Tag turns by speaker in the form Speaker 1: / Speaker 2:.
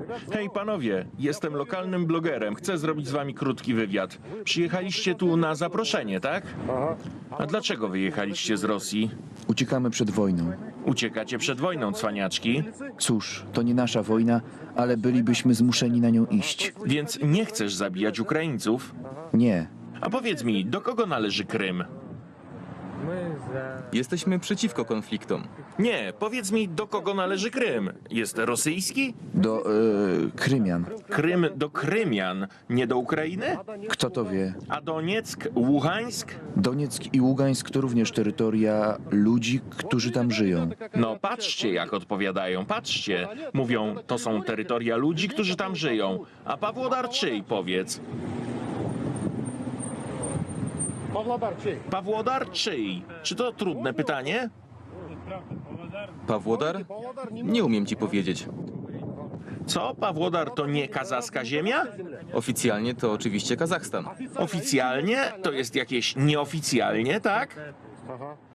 Speaker 1: Hej panowie, jestem lokalnym blogerem. Chcę zrobić z wami krótki wywiad. Przyjechaliście tu na zaproszenie, tak? A dlaczego wyjechaliście z Rosji?
Speaker 2: Uciekamy przed wojną.
Speaker 1: Uciekacie przed wojną, cwaniaczki.
Speaker 2: Cóż, to nie nasza wojna, ale bylibyśmy zmuszeni na nią iść.
Speaker 1: Więc nie chcesz zabijać Ukraińców?
Speaker 2: Nie.
Speaker 1: A powiedz mi, do kogo należy Krym?
Speaker 3: Jesteśmy przeciwko konfliktom.
Speaker 1: Nie, powiedz mi, do kogo należy Krym? Jest rosyjski?
Speaker 2: Do Krymian.
Speaker 1: Krym do Krymian, nie do Ukrainy?
Speaker 2: Kto to wie?
Speaker 1: A Donieck, Ługańsk?
Speaker 2: Donieck i Ługańsk to również terytoria ludzi, którzy tam żyją.
Speaker 1: No patrzcie, jak odpowiadają, patrzcie. Mówią, to są terytoria ludzi, którzy tam żyją. A Pawłodar czyj, powiedz? Pawłodar czyj? Czy to trudne pytanie?
Speaker 3: Pawłodar? Nie umiem ci powiedzieć.
Speaker 1: Co, Pawłodar to nie kazaska ziemia?
Speaker 3: Oficjalnie to oczywiście Kazachstan.
Speaker 1: Oficjalnie? To jest jakieś nieoficjalnie, tak?